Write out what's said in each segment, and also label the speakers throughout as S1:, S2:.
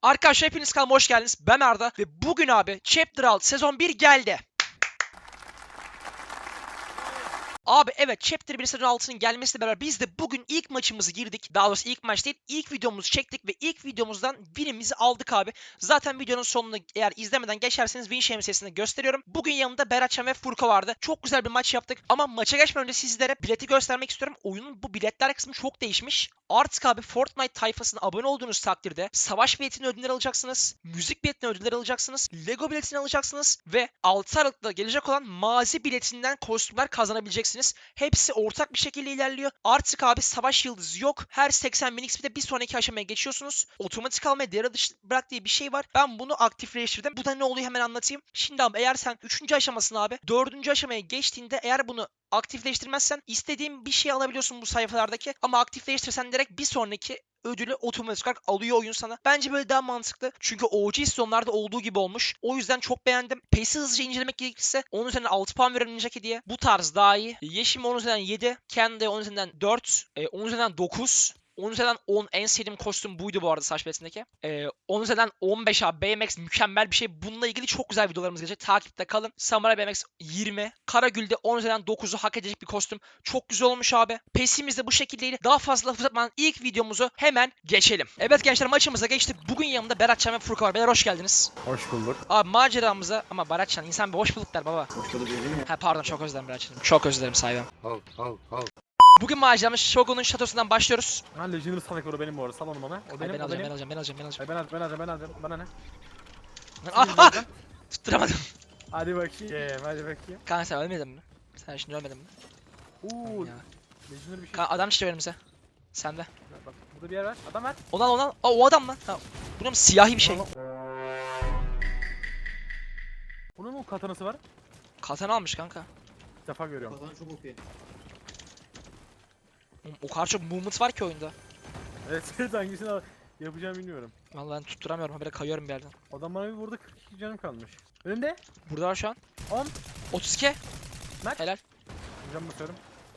S1: Arkadaşlar hepiniz kanalıma hoş geldiniz. Ben Arda ve bugün abi Chapter 6 sezon 1 geldi. Abi evet Chapter 1 sezon 6'nın gelmesiyle beraber biz de bugün ilk maçımızı girdik. Daha doğrusu ilk maç değil, ilk videomuzu çektik ve ilk videomuzdan winimizi aldık abi. Zaten videonun sonunu eğer izlemeden geçerseniz win şemsiyesini gösteriyorum. Bugün yanımda Beratcan ve Furko vardı. Çok güzel bir maç yaptık ama maça geçmeden önce sizlere bileti göstermek istiyorum. Oyunun bu biletler kısmı çok değişmiş. Artık abi Fortnite tayfasına abone olduğunuz takdirde savaş biletini ödüller alacaksınız. Müzik biletini ödüller alacaksınız. Lego biletini alacaksınız. Ve 6 Aralık'ta gelecek olan mazi biletinden kostümler kazanabileceksiniz. Hepsi ortak bir şekilde ilerliyor. Artık abi savaş yıldızı yok. Her 80 bin XP'de bir sonraki aşamaya geçiyorsunuz. Otomatik almaya devre dışı bırak diye bir şey var. Ben bunu aktifleştirdim. Bu da ne oluyor hemen anlatayım. Şimdi abi eğer sen 3. aşamasını abi 4. aşamaya geçtiğinde eğer bunu aktifleştirmezsen istediğin bir şey alabiliyorsun bu sayfalardaki. Ama aktifleştirirsen direkt bir sonraki ödülü otomatik olarak alıyor oyun sana. Bence böyle daha mantıklı. Çünkü OG sezonlarda olduğu gibi olmuş. O yüzden çok beğendim. PES'i hızlıca incelemek gerekirse 10 üzerinden 6 puan verilecek hediye. Bu tarz daha iyi. Yeşim 10 üzerinden 7. Kendi 10 üzerinden 4. 10 üzerinden 9. 10 üzerinden 10 en sevdiğim kostüm buydu bu arada saç biletindeki. 10 üzerinden 15 abi BMX mükemmel bir şey. Bununla ilgili çok güzel videolarımız gelecek. Takipte kalın. Samurai BMX 20. Karagül'de 10 üzerinden 9'u hak edecek bir kostüm. Çok güzel olmuş abi. PES'imiz de bu şekildeydi. Daha fazla laf uzatmadan ilk videomuzu hemen geçelim. Evet gençler maçımıza geçtik. Bugün yanımda Beratcan ve Furkan var. Beyler hoş geldiniz.
S2: Hoş bulduk.
S1: Abi maceramıza ama Beratcan insan bir hoş bulduk der baba.
S2: Hoş bulduk dedim ya.
S1: Ha pardon çok özür dilerim Beratcan'ım. Çok özür dilerim sahibim.
S2: Al.
S1: Bugün maceramız Shogun'un şatosundan başlıyoruz.
S2: Ha Legendary Sanakoro benim bu arada. Sal onu bana. O benim,
S1: Ben
S2: o benim.
S1: alacağım.
S2: Hayır, ben alacağım. Bana ne?
S1: Ah! Tutturamadım.
S2: Hadi bakayım.
S1: Kanka sen ölmedin mi? Sen şimdi ölmedin mi?
S2: Uuu.
S1: Ya.
S2: Legendary bir şey.
S1: Kanka adam işte önümüze. Sende.
S2: Bak burada bir yer var. Adam var.
S1: Onu al. Aa, o adam lan. Ha, bu ne mi? Siyahi bir şey.
S2: Bunun mu katanası var?
S1: Katana almış kanka.
S2: İlk defa görüyorum.
S3: Kazan çok OP.
S1: Oğlum, o kadar çok movement var ki oyunda.
S2: Evet hangisini yapacağımı bilmiyorum.
S1: Vallahi ben tutturamıyorum. Habire kayıyorum bir yerden.
S2: Adam bana bir vurdu 42 canım kalmış. Önümde.
S1: Burada var şu an.
S2: 10.
S1: 32.
S2: Maç.
S1: Helal.
S2: Cam basıyorum.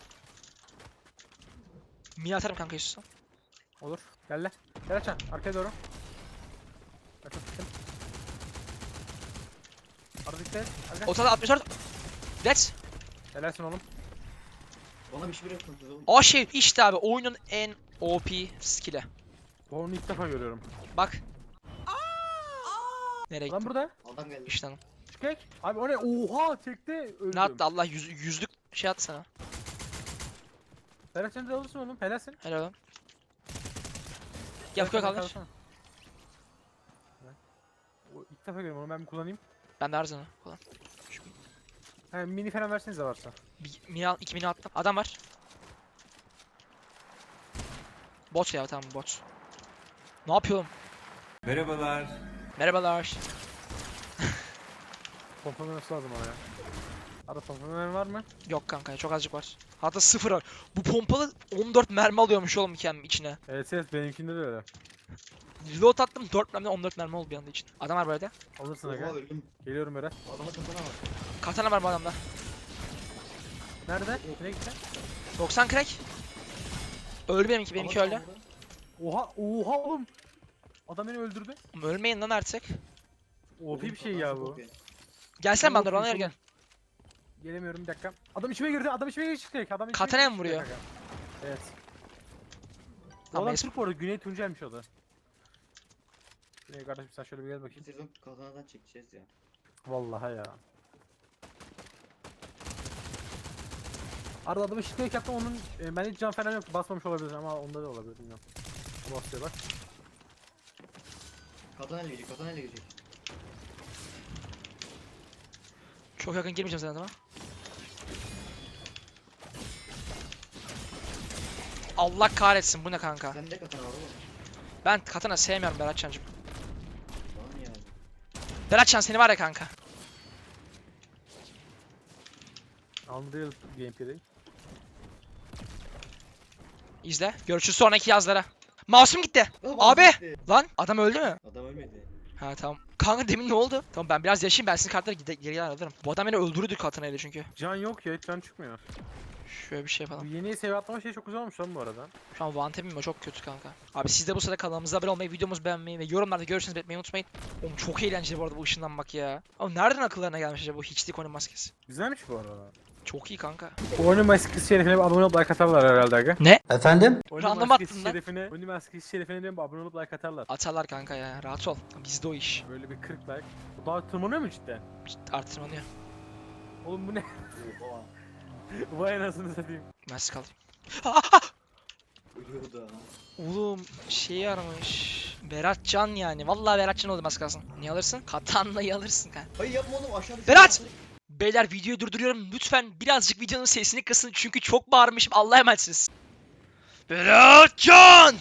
S1: Mini atarım kanka istiyorsan.
S2: Olur. Gel lan. Gel açan. Arkaya doğru. Açın. Arada dikkat et. Arka.
S1: Ortada 64. Let's.
S2: Helalsin oğlum.
S3: Bana bir şey bırakmadınız oğlum.
S1: O şey işte abi oyunun en OP skill'i.
S2: Bu onu ilk defa görüyorum.
S1: Bak. Nereye
S2: Lan
S1: gitti?
S2: burada.
S3: Adam geldi.
S1: İşte lan.
S2: Çıkek. Abi o ne? Oha çekti. Öldüm.
S1: Ne attı Allah yüzlük şey attı sana.
S2: Helal sen de alırsın oğlum. Helalsin.
S1: Helal lan. Gel koy kaldır.
S2: O ilk defa görüyorum onu ben bir kullanayım.
S1: Ben de Arzan'ı falan.
S2: He mini falan versenize varsa.
S1: Bir mini al, 2 mini attım. Adam var. Bot ya tamam bot. Ne yapıyorum?
S4: Merhabalar.
S1: Merhabalar.
S2: Pompalanması lazım ona ya. Arada pompalaman var mı?
S1: Yok kanka çok azıcık var. Hatta 0 var. Bu pompalı 14 mermi alıyormuş oğlum kendim içine.
S2: Evet benimkinde de öyle.
S1: Reload attım 4 mermi 14 mermi oldu bir anda için. Adam var böyle.
S2: Alırsın
S3: Oha
S2: aga.
S3: öldüm.
S2: Geliyorum Berat.
S3: Adama katana var.
S1: Katana var bu adamda.
S2: Nerede? Nereye gitti?
S1: 90 crack. Öldü benimki öldü.
S2: Oha oğlum. Adam beni öldürdü.
S1: Oğlum ölmeyin lan artık.
S2: OP bir şey ya bu.
S1: Gelsene
S2: Oğlum,
S1: bana Ronaldo gel.
S2: Gelemiyorum bir dakika. Adam içime girdi. Adam içime girdi çıkacak. Adam içime
S1: Katana
S2: girdi,
S1: mı vuruyor?
S2: çıkacak aga. Evet.
S1: Tamam,
S2: Adam
S1: neyse.
S2: Türk bu arada. Güney Tuncel'miş o da. Güney kardeşim sen şöyle bir gel
S3: Bu
S2: bakayım.
S3: sezon katanadan çekeceğiz ya.
S2: Vallahi ya. Arada adamı şikayet yaptım onun ben hiç can falan yoktu basmamış olabilir ama onda da olabilir bilmiyorum. O basıyor bak.
S3: Katana ile gelecek. Katana ile gelecek.
S1: Çok yakın girmeyeceğim zaten ama. Allah kahretsin bu ne kanka.
S3: Sende katana var oğlum.
S1: Ben katana sevmiyorum Beratcan'cım.
S3: Bana niye yani?
S1: Beratcan seni var ya kanka.
S2: Unreal gameplay'de.
S1: İzle. Görüşürüz sonraki yazlara. Masum gitti. Abi! Lan adam öldü mü?
S3: Adam ölmedi.
S1: Ha tamam. Kanka demin ne oldu? Tamam ben biraz yaşayayım ben sizin kartları geri alırım. Bu adam beni öldürürdü katanayla çünkü.
S2: Can yok ya hiç can çıkmıyor.
S1: Şöyle bir şey
S2: Bu
S1: yapalım.
S2: yeni seviye atlama şey çok güzel olmuş lan bu arada.
S1: Şu an one tap'im o çok kötü kanka. Abi siz de bu sırada kanalımıza abone olmayı, videomuzu beğenmeyi ve yorumlarda görüşünüzü belirtmeyi unutmayın. Oğlum çok eğlenceli bu arada bu ışınlanmak ya. Ama nereden akıllarına gelmiş acaba bu hiçlik oyun maskesi?
S2: Güzelmiş bu arada.
S1: Çok iyi kanka.
S2: Oyunun maskesi şerefine bir abone olup like atarlar herhalde aga.
S4: Efendim?
S2: Oyunun
S1: Random
S2: maskesi
S1: attın lan.
S2: şerefine, oyunun maskesi şerefine diyorum abone olup like atarlar.
S1: Atarlar kanka ya, rahat ol. Bizde o iş.
S2: Böyle bir 40 like. Bu daha tırmanıyor mu cidden?
S1: Artırmanıyor.
S2: Oğlum bu ne?
S3: Oha.
S2: Vay anasını satayım.
S1: Mersi kaldı.
S3: Ölüyordu ha.
S1: Oğlum şey aramış. Beratcan yani. Vallahi Beratcan oldu az kalsın. Ne alırsın? Katanlayı alırsın kanka.
S3: Hayır yapma oğlum aşağıda.
S1: Berat! Beyler videoyu durduruyorum. Lütfen birazcık videonun sesini kısın çünkü çok bağırmışım. Allah'a emanetsiniz. Beratcan!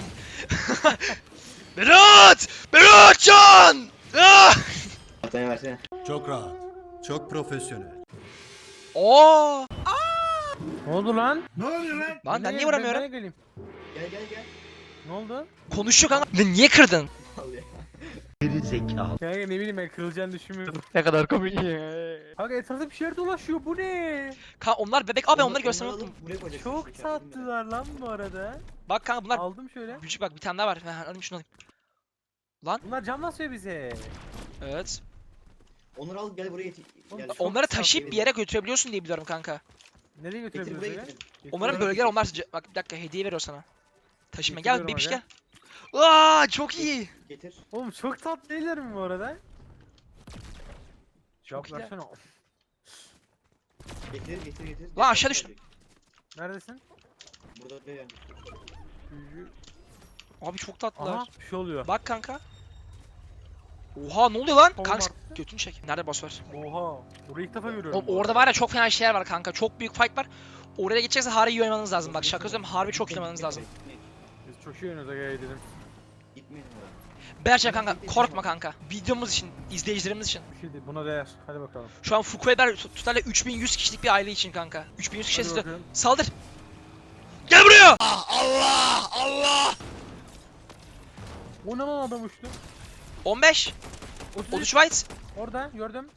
S1: Berat! Beratcan! Ah!
S3: Ataya versene.
S4: Çok rahat. Çok profesyonel.
S1: Oo!
S2: Ne oldu lan?
S1: Lan ben niye vuramıyorum?
S2: Ben geleyim.
S3: Gel gel gel.
S2: Ne oldu?
S1: Konuşuyor kanka. Lan niye kırdın?
S3: Al ya.
S2: Kanka ne bileyim ben kırılacağını düşünmüyordum.
S1: Ne kadar komik.
S2: Kanka etrafta bir şeyler dolaşıyor bu ne?
S1: Kanka onlar bebek. Abi onları
S3: Onları
S1: göstermeyi
S3: alıp
S1: unuttum.
S3: buraya koyacaksın.
S2: Çok
S3: İçeride
S2: sattılar lan bu arada.
S1: Bak kanka bunlar
S2: Aldım şöyle.
S1: küçük bak bir tane daha var. Ha, alayım şunu alayım.
S2: Bunlar cam basıyor bize.
S1: Evet.
S3: Onları al gel buraya getir.
S2: Oğlum,
S3: Gel.
S2: çok
S1: Onları
S2: sağ
S1: taşıyıp bir
S3: vereyim.
S1: yere götürebiliyorsun diye biliyorum kanka.
S2: Nereye
S3: Getir
S2: götürebiliyoruz
S3: buraya
S2: aga?
S3: getir.
S1: Onların
S3: Oraya
S1: bölgeler
S3: getir.
S1: onlar bak bir dakika hediye veriyor sana. Taşıma gel
S2: Getiriyorum
S1: bebiş
S2: aga.
S1: gel. Aa çok iyi.
S3: Getir.
S2: Oğlum çok tatlı değiller mi bu arada?
S1: Çok
S2: Cevap
S1: iyi.
S2: versene.
S3: Getir getir getir.
S1: Lan aşağı düştüm.
S2: Neredesin?
S3: Burada bir yani.
S1: Abi çok tatlılar.
S2: Aha bir şey oluyor.
S1: Bak kanka. Oha ne oluyor lan?
S2: Tamam
S1: Kanka
S2: artık.
S1: götünü çek. Nerede boss var?
S2: Oha. Burayı ilk defa görüyorum.
S1: Oğlum
S2: bu
S1: orada
S2: arada.
S1: var ya çok fena şeyler var kanka. Çok büyük fight var. Oraya geçecekse harbi iyi oynamanız lazım. Bak şaka söylüyorum harbi çok iyi oynamanız lazım.
S2: Biz çok iyi oynuyoruz aga dedim.
S3: Gitmeyelim oraya.
S1: Berçe kanka korkma kanka. Videomuz için, izleyicilerimiz için.
S2: Bir şey değil buna değer. Hadi bakalım.
S1: Şu an Fukueber tutarla 3100 kişilik bir aile için kanka. 3100 kişi
S2: Hadi
S1: istiyor.
S2: bakalım.
S1: Saldır. Gel buraya. Allah Allah.
S2: O ne lan adam uçtu?
S1: 15.
S2: 33.
S1: 13 white.
S2: Orada gördüm.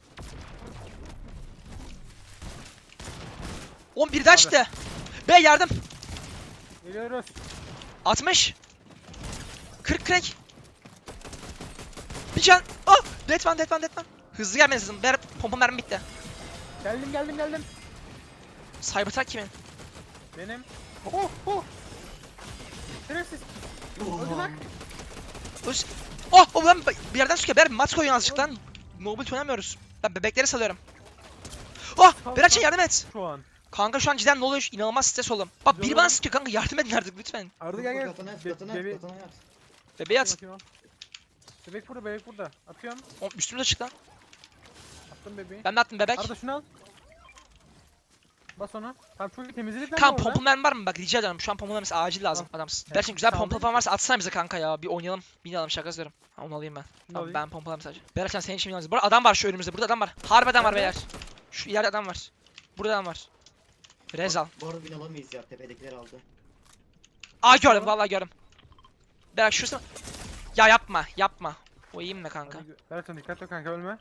S1: 11'den çıktı. Be yardım.
S2: Geliyoruz.
S1: 60. 40 crack. Bir can. Oh! Dead one, dead one, dead one. Hızlı gelmeniz lazım. Pompa mermi bitti.
S2: Geldim.
S1: Cybertruck kimin?
S2: Benim. Oh oh. Şerefsiz. Öldü bak.
S1: Öz... Oh! Oh ben bir yerden sıkıyor. Ber mat koyun azıcık lan. Mobile oynamıyoruz. Ben bebekleri salıyorum. Oh! Beratçı yardım et.
S2: Şu an.
S1: Kanka şu an cidden ne oluyor? İnanılmaz stres oldum. Bak biri bana sıkıyor kanka yardım edin artık lütfen.
S2: Arda gel gel.
S3: Katana yat
S2: Be-
S3: katana
S2: bebe-
S3: yat katana yat.
S1: Bebeği at.
S2: Bakayım al. Bebek burada. Atıyorum.
S1: Oh, üstümüze çık lan.
S2: Attım bebeği.
S1: Ben de attım bebek.
S2: Arda şunu al. Bas onu. Tamam çok iyi temizledik lan
S1: Kan
S2: bu arada.
S1: pompa mermi var mı? Bak rica ederim. Şu an pompa mermisi acil lazım adamsın.
S2: Evet,
S1: Gerçekten güzel
S2: sağ
S1: pompa
S2: olun.
S1: falan varsa atsana bize kanka ya. Bir oynayalım. Binalım şaka söylüyorum. Ha, onu alayım ben. Tamam
S2: alayım.
S1: ben pompalarım sadece. Beratcan senin için binalım. Burada adam var şu önümüzde. Burada adam var. Harbi adam var
S2: Nerede?
S1: beyler. Şu ileride adam var. Burada adam var. Rezal.
S3: Bu arada bin alamayız ya tepedekiler aldı.
S1: Aa gördüm vallahi gördüm. Berat şurası. Ya yapma. O iyiyim mi kanka?
S2: Beratcan dikkatli ol kanka ölme.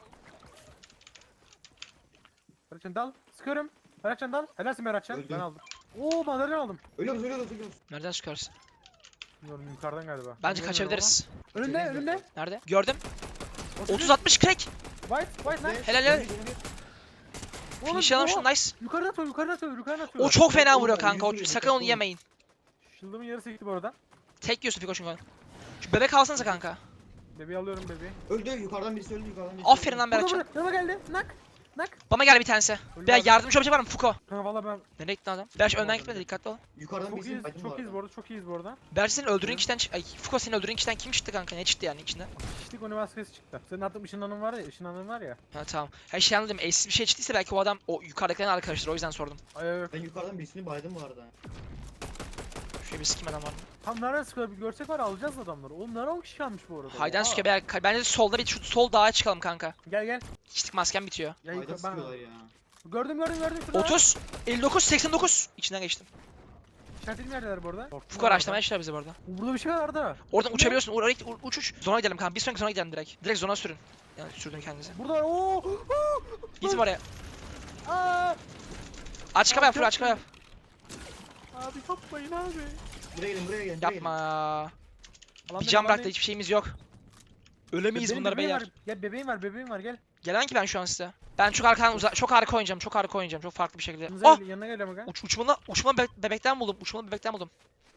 S2: Beratcan dal. Sıkıyorum. Beratcan dal. Helalsin Beratcan.
S3: Öldüm.
S2: Ben aldım. Oo madalya aldım.
S3: Ölüyoruz.
S1: Nereden çıkarsın?
S2: Bilmiyorum yukarıdan galiba.
S1: Bence
S2: Bilmiyorum
S1: kaçabiliriz.
S2: ama. Önünde.
S1: Nerede? Gördüm.
S2: 30.
S1: 30-60 crack.
S2: White lan.
S1: Helal.
S2: Oğlum,
S1: Finish alalım
S2: oha.
S1: şunu nice.
S2: Yukarıdan atıyor.
S1: O çok fena
S3: Oğlum,
S1: vuruyor
S3: ben
S1: kanka. O,
S3: yüzüyorum,
S1: sakın onu
S3: dikkatli olun.
S1: yemeyin.
S2: Shield'ımın yarısı gitti bu arada.
S1: Tek yiyorsun Fiko çünkü. Şu bebek alsanıza kanka.
S2: Bebeği alıyorum bebeği.
S3: Öldü yukarıdan birisi öldü yukarıdan birisi.
S1: Aferin lan
S2: Burada
S1: Beratcan.
S2: Yana geldi. Nak.
S1: Bana gel bir tanesi.
S2: Öldü
S1: Ben
S2: abi.
S1: yardımcı olacak var mı Fuko?
S2: Kanka valla ben
S1: Nereye gitti adam? Berç önden gitmedi dikkatli ol.
S3: Yukarıdan
S2: çok
S3: birisi
S2: iyiyiz.
S3: baydım
S2: Çok iyiyiz bu arada.
S1: Berç senin öldürdüğün kişiden Ay Fuko senin öldürdüğün kişiden kim çıktı kanka? Ne çıktı yani içinden?
S2: Kişilik animasyonu çıktı. Senin attığın ışınlanın var ya.
S1: Ha tamam. Her şey anladım. Eşsiz bir şey çıktıysa belki o adam o yukarıdakilerin arkadaşları o yüzden sordum.
S2: Ay yok.
S3: Ben yukarıdan birisini baydım bu arada.
S1: Şöyle bir sikim adam var mı?
S2: Tam nereden sıkıyor bir görsek var ya, alacağız adamları. Oğlum nereden 10 kişi kalmış bu arada.
S1: Haydan
S2: Oha.
S1: sıkıyor. Bence de solda bir şu sol dağa çıkalım kanka.
S2: Gel.
S1: Hiçlik maskem bitiyor.
S2: Ya
S3: Bayda
S2: yukarı
S3: sıkıyorlar
S2: ben.
S3: ya.
S2: Gördüm şurada.
S1: 30, 59, 89. İçinden geçtim.
S2: İşaretli neredeler bu arada?
S1: Fuko araçlamaya çıkıyor bizi bu arada.
S2: Burada bir şey var Arda.
S1: Oradan
S2: Ne?
S1: uçabiliyorsun. Oraya uç. Zona gidelim kanka. Bir sonraki zona gidelim direkt. Direkt zona sürün. Yani sürdün kendinizi.
S2: Burada var. Oo.
S1: Gitme oraya.
S2: Aa.
S1: Aç kapı yap, full aç kapı yap.
S2: Abi yapmayın abi.
S3: Buraya gelin buraya gelin.
S1: Yapma.
S2: Alan
S1: Bir
S2: benim,
S1: can
S2: alan
S1: bıraktı,
S2: benim.
S1: hiçbir şeyimiz yok. Ölemeyiz
S2: Benim
S1: bunlar
S2: bebeğim
S1: beyler.
S2: var. Gel bebeğim var gel.
S1: Gelen ki ben şu an size. Ben çok çok arka oynayacağım, çok arka oynayacağım, çok farklı bir şekilde.
S2: Yanınıza
S1: Oh!
S2: yanına geliyorum aga.
S1: Uçmalı bebekten buldum, uçmalı bebekten buldum.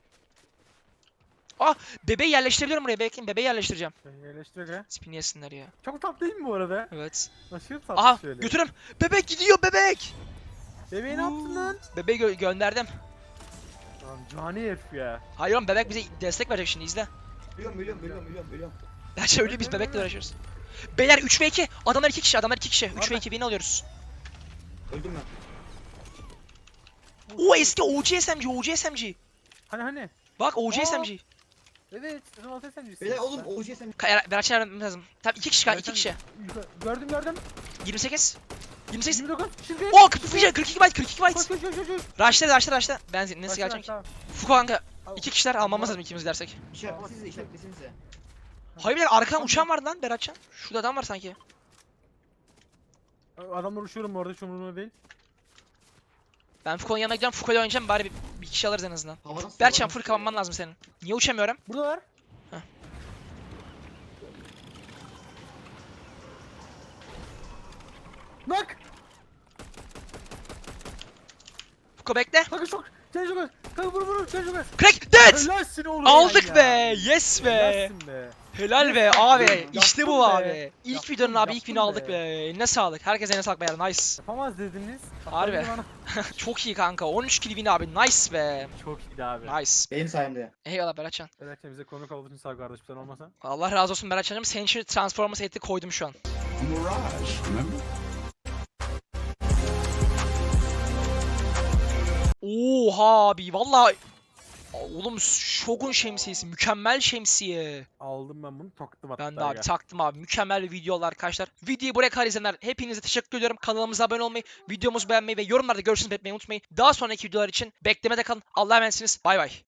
S1: Ah! Bebeği yerleştirebiliyorum buraya, bekleyin, bebeği yerleştireceğim.
S2: Yerleştir aga.
S1: Spini yesinler ya.
S2: Çok tatlı değil mi bu arada?
S1: Evet.
S2: Aşırı tatlı
S1: Aha!
S2: şöyle.
S1: Götürüm! Bebek gidiyor, bebek!
S2: Bebeği ne yaptın lan?
S1: Bebeği gönderdim.
S2: Lan cani herif ya.
S1: Hayır oğlum, bebek bize destek verecek şimdi, izle.
S3: Biliyorum.
S1: Gerçi öyle biz bebekle uğraşıyoruz. Beyler 3 ve 2. Adamlar 2 kişi. 3 ve 2 beni alıyoruz.
S3: Öldüm ben.
S1: Oo eski OG SMG.
S2: Hani.
S1: Bak OG
S2: Aa!
S1: SMG.
S2: Evet. Sezon 6 sen
S3: Beyler oğlum OGS'm.
S1: Berat'ı vermem lazım. Tamam 2 kişi kaldı, 2 kişi.
S2: Gördüm.
S1: 28. 28.
S2: 29. Şimdi.
S1: Oo 42 byte, 42 byte.
S2: Koş.
S1: Rush'la. Benzin nasıl
S2: Başla,
S1: gelecek?
S2: tamam.
S1: Fuko kanka. 2 kişiler almamız lazım ikimiz dersek.
S3: İşaretlesinize.
S1: Hayır beyler arkadan uçan vardı lan Beratcan. Şurada adam var sanki.
S2: Adamlar uçuyorum bu arada, hiç umurumda değil.
S1: Ben Fuko'nun yanına gideceğim. Fuko'yla oynayacağım, bari bir kişi alırız en azından.
S3: Havadan
S1: Berçan full kapanman lazım senin. Niye uçamıyorum?
S2: Buradalar.
S1: Heh.
S2: Bak.
S1: Fuko bekle.
S2: Kanka çok. Sen çok az. Kanka vur. Sen çok az.
S1: Crack dead!
S2: Helalsin oğlum.
S1: Aldık
S2: ya.
S1: be. Yes be.
S2: Helalsin be.
S1: Helal be
S2: Yaptın
S1: abi.
S2: be,
S1: İşte bu
S2: yaptın be.
S1: abi. İlk
S2: Yaptın,
S1: videonun abi ilk
S2: yaptın
S1: win'i aldık
S2: be.
S1: be. Eline sağlık. Herkese eline sağlık beyler. Nice.
S2: Yapamaz dediniz.
S1: Harbi.
S2: Hatta bana-
S1: Çok iyi kanka. 13 kill win abi. Nice be.
S2: Çok iyiydi abi.
S1: Nice.
S3: Benim sayemde.
S1: Eyvallah Beratcan.
S2: Belki bize konuk olduğun için sağ ol kardeşim, sen olmasa.
S1: Allah razı olsun Beratcan'cığım. Senin için Transformers eti koydum şu an. Oha abi. Vallahi oğlum Shogun şemsiyesi. Mükemmel şemsiye.
S2: Aldım ben bunu, taktım hatta.
S1: Ben de abi taktım abi. Mükemmel bir videolar arkadaşlar. Videoyu buraya kadar izleyenler hepinize teşekkür ediyorum. Kanalımıza abone olmayı, videomuzu beğenmeyi ve yorumlarda görüşünüzü belirtmeyi unutmayın. Daha sonraki videolar için beklemede kalın. Allah'a emanetsiniz. Bay bay.